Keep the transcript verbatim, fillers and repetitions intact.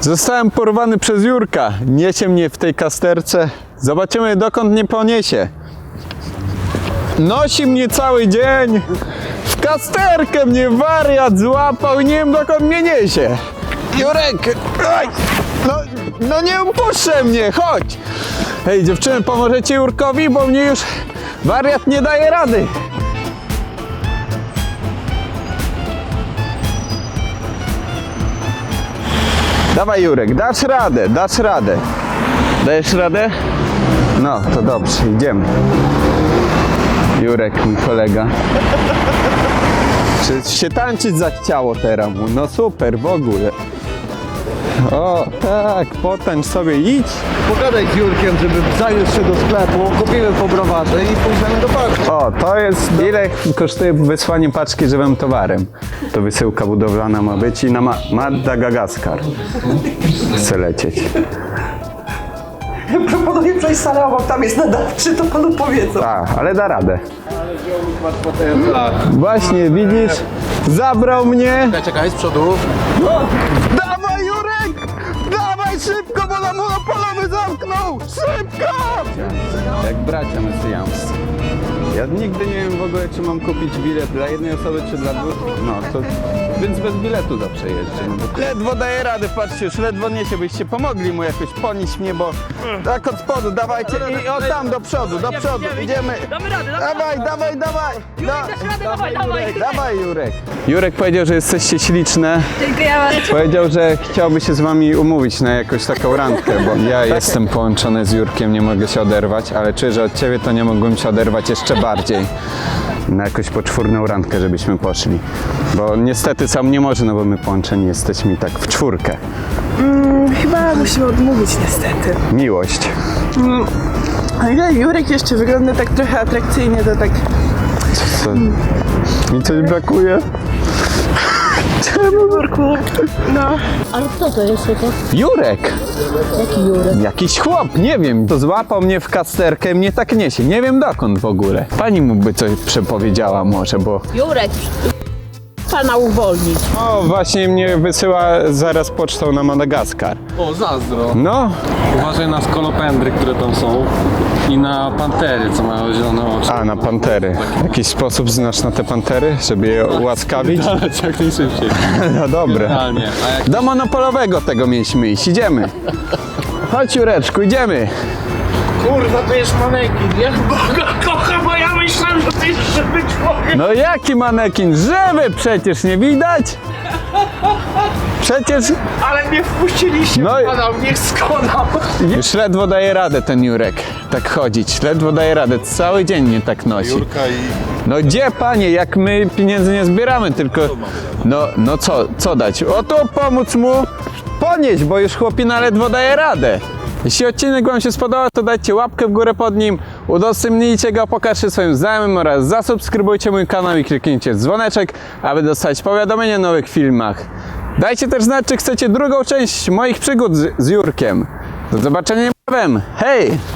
Zostałem porwany przez Jurka. Niesie mnie w tej kasterce. Zobaczymy, dokąd mnie poniesie. Nosi mnie cały dzień. W kasterkę mnie wariat złapał i nie wiem, dokąd mnie niesie. Jurek! Oj! No, no nie upuszczę mnie, chodź! Hej, dziewczyny, pomożecie Jurkowi, bo mnie już wariat nie daje rady. Dawaj, Jurek, dasz radę, dasz radę. Dajesz radę? No, to dobrze, idziemy. Jurek, mój kolega. Przecież się tańczyć zachciało teraz mu. No super, w ogóle. O, tak, potańcz sobie, idź. Pogadaj z Jurkiem, żeby zaniósł się do sklepu, kupimy po browarze i pójdziemy do paczki. O, to jest, ile kosztuje wysłanie paczki żywym towarem. To wysyłka budowlana ma być i na Ma Madagaskar chce lecieć. Proponuję przejść salę obok, tam jest nadawczy, to panu powiedzą. Tak, ale da radę. Właśnie, widzisz, zabrał mnie. Czekaj, czekaj, z przodu. Dawaj, Jurek! Dawaj szybko, bo na monopolowy zamknął! Szybko! Jak bracia mesjańscy. Ja nigdy nie wiem w ogóle, czy mam kupić bilet dla jednej osoby, czy dla dwóch. No, to... Więc bez biletu zawsze jeżdżę. No bo... Ledwo daję radę, patrzcie, już ledwo niesie, byście pomogli mu jakoś ponieść mnie, bo... Tak od spodu, dawajcie i o tam, do przodu, do przodu, idziemy. Damy radę, damy Dawaj, dawaj, dawaj! Da- Dasz radę, dawaj, dawaj! Dawaj, Jurek. Jurek powiedział, że jesteście śliczne. Dziękuję bardzo. Powiedział, że chciałby się z wami umówić na jakąś taką randkę, bo ja jestem połączony z Jurkiem, nie mogę się oderwać, ale czuję, że od ciebie to nie mogłem się oderwać jeszcze bardziej. Na jakąś poczwórną randkę, żebyśmy poszli. Bo niestety sam nie może, no bo my połączeni jesteśmy tak w czwórkę. Chyba musimy odmówić niestety. Miłość. Ale Jurek jeszcze wygląda tak trochę atrakcyjnie, to tak... Co? Mi coś brakuje? Czemu, Jurku? No. Ale kto to jest to? Jurek! Jaki Jurek? Jakiś chłop, nie wiem, to złapał mnie w kasterkę i mnie tak niesie, nie wiem dokąd w ogóle. Pani mu by coś przepowiedziała może, bo... Jurek, pana uwolnić. O, właśnie mnie wysyła zaraz pocztą na Madagaskar. O, zazdro. No, Uważaj na skolopendry, które tam są i na pantery, co mają zielone oczy. a na pantery. W jakiś sposób znasz na te pantery, żeby je ułaskawić? Ale jak najszybciej. No dobra. Realnie. A jak Do monopolowego tego mieliśmy iść, idziemy. Chodź, Jureczku, idziemy. Kurwa, to jest manekin. Ja Boga kocham, bo ja myślałem, że to jest żywy człowiek. No jaki manekin? Żywy przecież, nie widać? Przecież Ale mnie wpuściliście, No i- skonał, niech skonał. już ledwo daje radę ten Jurek tak chodzić. Ledwo daje radę, cały dzień mnie tak nosi. Jurka i... No gdzie, panie, jak my pieniędzy nie zbieramy, tylko... No, no co, co dać? Oto pomóc mu ponieść, bo już chłopina ledwo daje radę. Jeśli odcinek wam się spodobał, to dajcie łapkę w górę pod nim, udostępnijcie go, pokażcie swoim znajomym oraz zasubskrybujcie mój kanał i kliknijcie w dzwoneczek, aby dostać powiadomienia o nowych filmach. Dajcie też znać, czy chcecie drugą część moich przygód z, z Jurkiem. Do zobaczenia niebawem. Hej!